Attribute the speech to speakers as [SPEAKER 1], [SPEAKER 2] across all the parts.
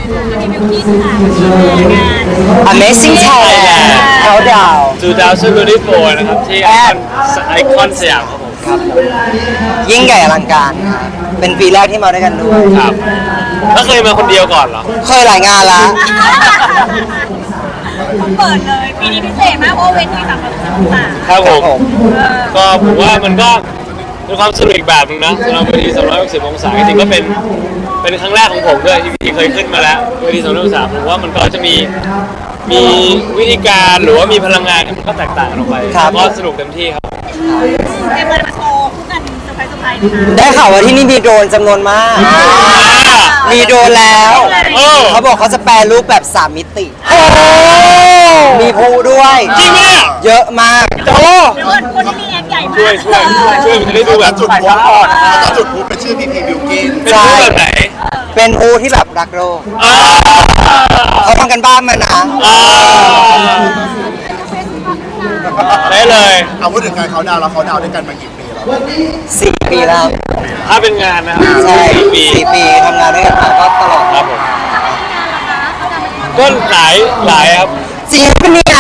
[SPEAKER 1] มีบิวกิ้นค่ะงาน
[SPEAKER 2] Amazing Thailand Countdown
[SPEAKER 3] 2024นะครับที่ไอคอนสยามครับผม
[SPEAKER 2] ครับยิ่งใหญ่อลังการครับเป็นปีแรกที่มาด้วยกันด้วย
[SPEAKER 3] ครับแล้วเคยมาคนเดียวก่อนเหรอ
[SPEAKER 2] เคยหลายงานละ
[SPEAKER 1] เปิดเลยปีนี้พิเศษมากเพราะเวที360
[SPEAKER 3] ครับผม
[SPEAKER 2] ผม
[SPEAKER 3] ก็ผมว่ามันก็เป็นความสนุกอีกแบบนึงนะสำหรับเวที360 องศาจริงๆก็เป็นครั้งแรกของผมด้วยที่เคยขึ้นมาแล้วเวที360 องศาผมว่ามันก็จะมีวิธีการหรือว่ามีพลังงานที่มันก็แตกต่างกันออกไปก็สนุกเต็มที่ครับ
[SPEAKER 1] เต็มเลยมาโชว์คู่กันเซอร์ไพรส์นะคะ
[SPEAKER 2] ได้ข่าวว่าที่นี่มีโดรนจำนวนมาก มีโดรนแล้ว เขาบอกเขาจะแปลรูปแบบ 3 มิติ มีภูด้วย
[SPEAKER 3] จริงไหมเนี่ย
[SPEAKER 2] เยอะมาก
[SPEAKER 3] โอ้
[SPEAKER 1] เดี๋ยวก่อนคนที่มีแอคใหญ่มาก
[SPEAKER 3] ช่วยมันจะได้ดูแบบ
[SPEAKER 4] จุดพลุก่อนแล้วก็จุดพลุเป็นชื่อพี่บิวกิน
[SPEAKER 3] เป็นรูปแบบไหน
[SPEAKER 2] เป็นภูที่แบบรักโลกเขาทำกันบ้านมานะ
[SPEAKER 3] ได้เลย
[SPEAKER 4] เอาพูดถึงการเขาดาวน์แล้วเขาดาวน์ด้วยกันมากี่ปีแล้ว
[SPEAKER 2] 4 ปีแล้ว
[SPEAKER 3] ถ้าเป็นงานนะครับ
[SPEAKER 2] ใช่
[SPEAKER 3] 4 ปี
[SPEAKER 2] 4 ปีทำงานด้วยกันมาก็ตลอด
[SPEAKER 3] ครับผมก็หลายครับ
[SPEAKER 2] จริงปะเนี่ย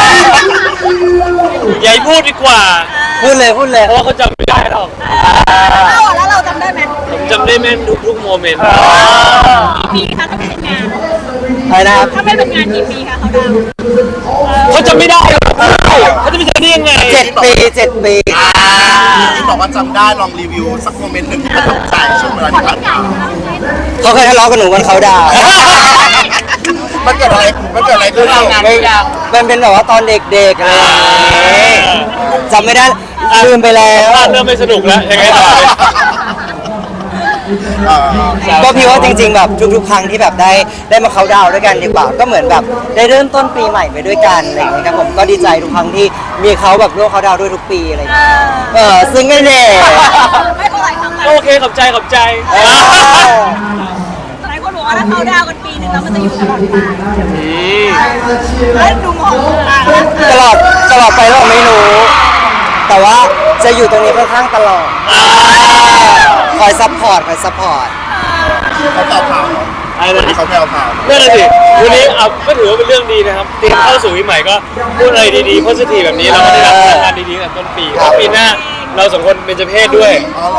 [SPEAKER 3] อย่าให้พูดดีกว่า
[SPEAKER 2] พูดเลย
[SPEAKER 3] เพราะว่าเขาจำไม่ได้หรอก
[SPEAKER 1] แล้วเราจำได้ไหม
[SPEAKER 3] ผมจำได้แม่นทุกโมเมนต์
[SPEAKER 1] กี่ปีคะถ้าไม่เป็นงาน
[SPEAKER 2] อะไรนะครับ
[SPEAKER 1] ถ้าไม่เป็นงานกี่ปีคะเขาดาวน์
[SPEAKER 3] เขาจำไม่ได้หรอกเขาจะไปจำได้ยังไง
[SPEAKER 2] 7 ปี 7 ปี
[SPEAKER 4] ที่บอกว่าจำได้ลองรีวิวสักโมเมนต์หนึ่งที่ประทับใจช่วงเวลาที่ผ่านมา
[SPEAKER 2] เขาเคยทะเลาะกับหนูวันเขาดาวน์
[SPEAKER 4] มันเกิดอะไรขึ้นเรา
[SPEAKER 2] มันเป็นแบบว่าตอนเด็กๆอะไรอย่างงี้จำไม่ได้ลืมไปแล้ว
[SPEAKER 3] เริ่มไม่สนุกแล้วยังไงต่อเลย
[SPEAKER 2] ก็พี่ว่าจริงๆแบบทุกๆครั้งที่แบบได้มาเขาน์ดาวน์ด้วยกันดีกว่าก็เหมือนแบบได้เริ่มต้นปีใหม่ไปด้วยกันอะไรอย่างเงี้ยครับผมก็ดีใจทุกครั้งที่มีเขาแบบร่วมเขาน์ดาวน์ด้วยทุกปีอะไรอย่างเงี้ยซึ่งไม่แน่
[SPEAKER 1] ไม่เท่าไหร่ทำไม
[SPEAKER 3] โอเคขอบใจ
[SPEAKER 1] หลายคนบอกว่าถ้าเขาดาวน์กันปีนึงแล้วมันจะอยู่ตลอดไปแล้วดูมอง
[SPEAKER 2] ตลอดไปเราไม่รู้ แต่ว่าจะอยู่ตรงนี้ค่อนข้างตลอดคอยซัพพอร์ต
[SPEAKER 4] เขาแผ่วพราว
[SPEAKER 3] อะไรนะ
[SPEAKER 4] เขาแผ่วพราว
[SPEAKER 3] นั่นแหละสิวันนี้ก็ถือว่าเป็นเรื่องดีนะครับเตรียมเข้าสู่ปีใหม่ก็พูดอะไรดีๆโพสิทีฟแบบนี้เราก็ได้รับพลังงานดีๆตั้งแต่ต้นปีแล้วปีหน้าเราสองคนเป็นเจ้าเพศด้วย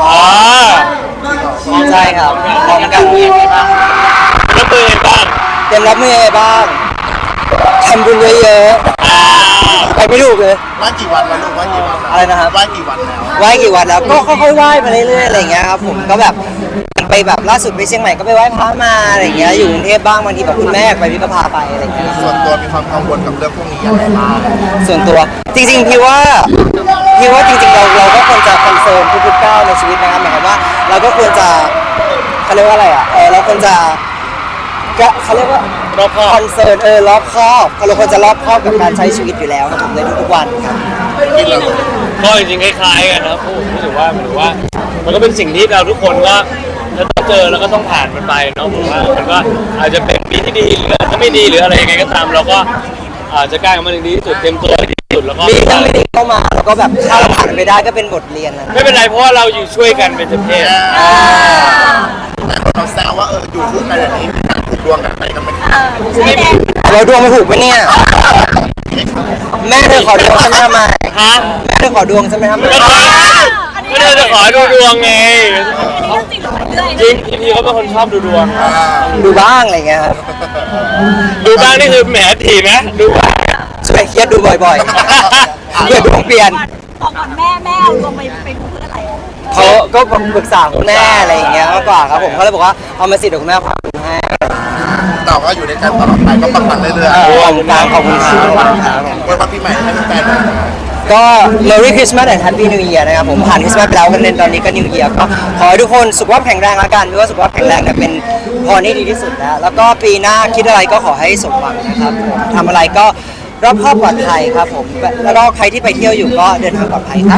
[SPEAKER 2] ใช่ครับพร้อมกัน
[SPEAKER 3] แล้วตัวเองบ้าง
[SPEAKER 2] เตรียมรับมือยังไงบ้างทำบุญเยอะๆไปไม่ถูกเลย
[SPEAKER 4] ไหว้กี่วันแล้วลูกไหว้กี่วันแล้ว
[SPEAKER 2] อะไรนะครับ
[SPEAKER 4] ไหว้กี่วันแล้ว
[SPEAKER 2] ไหว้กี่วันแล้วก็ค่อยๆไหว้มาเรื่อยๆอะไรอย่างเงี้ยครับผมก็แบบไปแบบล่าสุดไปเชียงใหม่ก็ไปไหว้พระมาอะไรอย่างเงี้ยอยู่กรุงเทพบ้างบางทีแบบคุณแม่ไปพี่ก็พาไปอะไรอย่างเงี้ย
[SPEAKER 4] ส่วนตัวมีความกังวลกับเรื่องพวกนี้ยังไงบ้าง
[SPEAKER 2] ส่วนตัวจริงๆพี่ว่าจริงๆเราก็ควรจะคอนเซิร์นทุกๆก้าวในชีวิตนะครับหมายความว่าเราก็ควรจะเขาเรียกว่าอะไรอ่ะเราควรจะเขาเรียกว่าร
[SPEAKER 3] อบคอบ
[SPEAKER 2] คอนเซิร์นรอบคอบเราควรจะรอบคอบกับการใช้ชีวิตอยู่แล้วครับผมในทุกๆวันครับ
[SPEAKER 3] ก็จริงๆคล้ายๆกันนะครับผมรู้สึกว่ามันก็เป็นสิ่งที่เราทุกคนก็จะต้องเจอแล้วก็ต้องผ่านมันไปเนาะผมว่ามันก็อาจจะเป็นปีที่ดีหรือถ้าไม่ดีหรืออะไรยังไงก็ตามเราก็อาจจะกล้ากับมันดีที่สุดเต็มตัวดีที่สุดแล้วก็
[SPEAKER 2] มีทั้งไม่ดีเข้ามาแล้วก็แบบถ้าเราผ่านไปได้ก็เป็นบทเรียนนะ
[SPEAKER 3] ไม่เป็นไรเพราะว่าเราอยู่ช่วยกันเป็นเจ้าเพศ
[SPEAKER 4] แต่เราแซวว่าอยู่คู่กันแบบนี้มีการผูกดวงกันไปกันไหม
[SPEAKER 1] ไม่แน่
[SPEAKER 2] เราดวงไม่ถูกปะเนี่ยแม่เธอขอดวงฉันทำไม
[SPEAKER 3] ฮะ
[SPEAKER 2] แม่เธอขอดวงฉันไหมทำไม
[SPEAKER 3] ก็เลยจะขอดูดวงไง
[SPEAKER 1] เรื่องจริงหรือเปล่าเรื่อย
[SPEAKER 3] จริงพี่เขาเป็นคนชอบดูดวง
[SPEAKER 2] ดูบ้างอะไรเงี้ยครับ
[SPEAKER 3] ดูบ้างนี่คือแหมถีนะดูบ้าง
[SPEAKER 2] ช่วยเครียดดูบ่อยๆเพื่อดวงเปลี่ยน
[SPEAKER 1] บอกก่อนแม่เอาดวงไปดูเพื่ออะไร
[SPEAKER 2] เขาก็ปรึกษาคุณแม่อะไรอย่างเงี้ยมากกว่าครับผมเขาเลยบอกว่าเอามาสิเดี๋ยวคุณแม่พาดูให้
[SPEAKER 4] แต่ว่าอยู่ในการตลอดไปก็ปังๆเรื่อย
[SPEAKER 2] ขอบคุณครับขอบคุณครับ
[SPEAKER 4] ๆวันพักปีใหม่ให้แฟนๆ
[SPEAKER 2] ก็ Merry Christmas and Happy New Year นะครับผมผ่านคริสต์มาสไปแล้วกันตอนนี้ก็ New Year ก็ขอให้ทุกคนสุขภาพแข็งแรงละกันเพราะว่าสุขภาพแข็งแรงเนี่ยเป็นพรที่ดีที่สุดแล้วก็ปีหน้าคิดอะไรก็ขอให้สมหวังนะครับผมทำอะไรก็รอบคอบปลอดภัยครับผมแล้วก็ใครที่ไปเที่ยวอยู่ก็เดินทางปลอดภัยครับ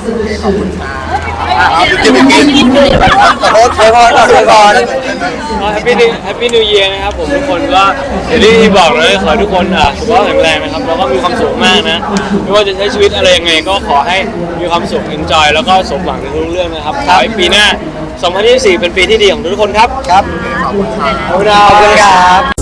[SPEAKER 2] ขอโทษอวยพรก่อนอวยพร
[SPEAKER 3] แฮปปี้นิวเยียร์นะครับผมทุกคนก็อย่างที่บอกเลยขอให้ทุกคนสุขภาพแข็งแรงนะครับแล้วก็มีความสุขมากนะไม่ว่าจะใช้ชีวิตอะไรยังไงก็ขอให้มีความสุข enjoy แล้วก็สมหวังในทุกเรื่องนะครับขอให้ปีหน้า 2024 เป็นปีที่ดีของทุกคนครับ
[SPEAKER 2] ครับ
[SPEAKER 4] ขอบขอบคุณค่ะ
[SPEAKER 3] ขอบคุณครั
[SPEAKER 2] ขอบคุณครับ บ